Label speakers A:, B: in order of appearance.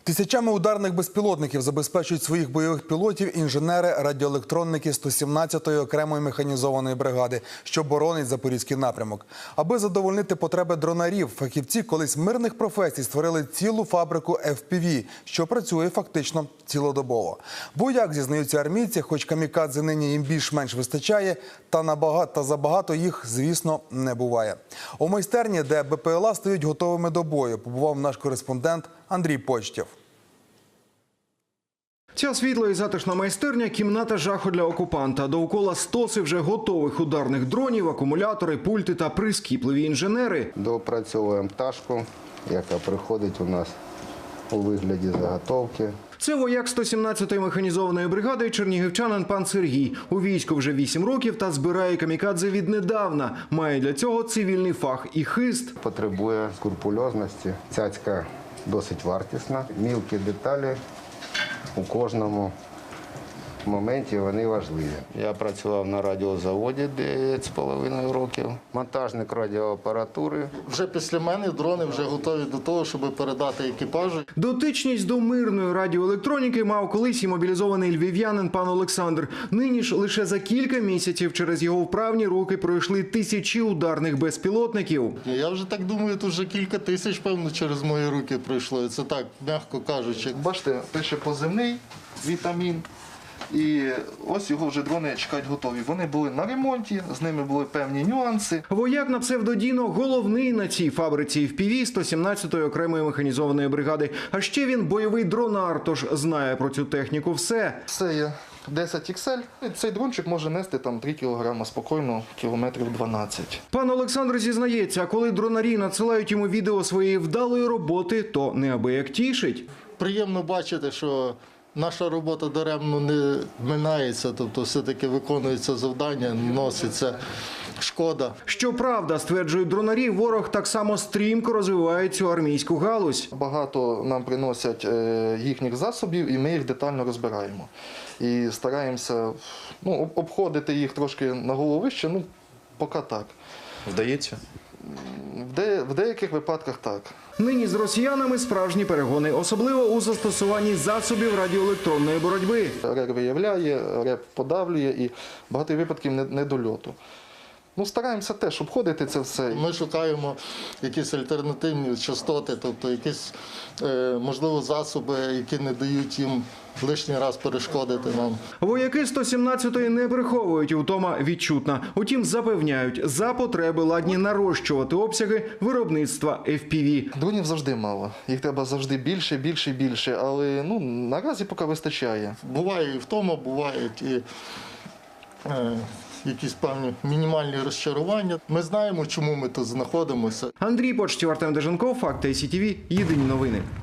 A: Тисячами ударних безпілотників забезпечують своїх бойових пілотів інженери радіоелектронники 117-ї окремої механізованої бригади, що боронить Запорізький напрямок. Аби задовольнити потреби дронарів, фахівці колись мирних професій створили цілу фабрику FPV, що працює фактично цілодобово. Бо, як зізнаються армійці, хоч камікадзе нині їм більш-менш вистачає, та забагато їх, звісно, не буває. У майстерні, де БПЛА стають готовими до бою, побував наш кореспондент Андрій Почтєв.
B: Ця світла і затишна майстерня – кімната жаху для окупанта. Довкола стоси вже готових ударних дронів, акумулятори, пульти та прискіпливі інженери.
C: Доопрацьовуємо пташку, яка приходить у нас у вигляді заготовки.
B: Це вояк 117-ї механізованої бригади чернігівчанин пан Сергій. У війську вже 8 років та збирає камікадзе віднедавна. Має для цього цивільний фах і хист.
C: Потребує скрупульозності. Цяцька досить вартісна. Мілкі деталі у кожному моменті вони важливі. Я працював на радіозаводі 9,5 років. Монтажник радіоапаратури.
D: Вже після мене дрони вже готові до того, щоб передати екіпажу.
B: Дотичність до мирної радіоелектроніки мав колись і мобілізований львів'янин пан Олександр. Нині ж лише за кілька місяців через його вправні руки пройшли тисячі ударних безпілотників.
D: Я вже так думаю, тут вже кілька тисяч, певно, через мої руки пройшло. Це так, м'яко кажучи.
E: Бачите, пише позивний, вітамін. І ось його вже дрони чекають готові. Вони були на ремонті, з ними були певні нюанси.
B: Вояк на псевдодіно головний на цій фабриці FPV 117-ї окремої механізованої бригади. А ще він бойовий дронар, тож знає про цю техніку все.
E: Це є 10 XL. Цей дрончик може нести там 3 кг спокійно, кілометрів 12.
B: Пан Олександр зізнається, коли дронарі надсилають йому відео своєї вдалої роботи, то неабияк тішить.
D: Приємно бачити, що наша робота даремно не минається, тобто все-таки виконується завдання, носиться шкода.
B: Щоправда, стверджують дронарі, ворог так само стрімко розвиває цю армійську галузь.
E: Багато нам приносять їхніх засобів, і ми їх детально розбираємо. І стараємося обходити їх трошки на голову вище, поки так.
F: Вдається?
E: В деяких випадках так.
B: Нині з росіянами справжні перегони, особливо у застосуванні засобів радіоелектронної боротьби.
E: РЕР виявляє, РЕП подавлює і багато випадків недольоту. Стараємося теж обходити це все.
D: Ми шукаємо якісь альтернативні частоти, тобто якісь, можливо, засоби, які не дають їм лишній раз перешкодити нам.
B: Вояки 117-ї не приховують, втома відчутна. Утім, запевняють, за потреби ладні нарощувати обсяги виробництва FPV.
E: Дронів завжди мало. Їх треба завжди більше, більше, більше. Але наразі поки вистачає.
D: Буває і втома, бувають і якісь певні мінімальні розчарування. Ми знаємо, чому ми тут знаходимося.
B: Андрій Почтєв, Артем Деженков, Факти СІТВ, єдині новини.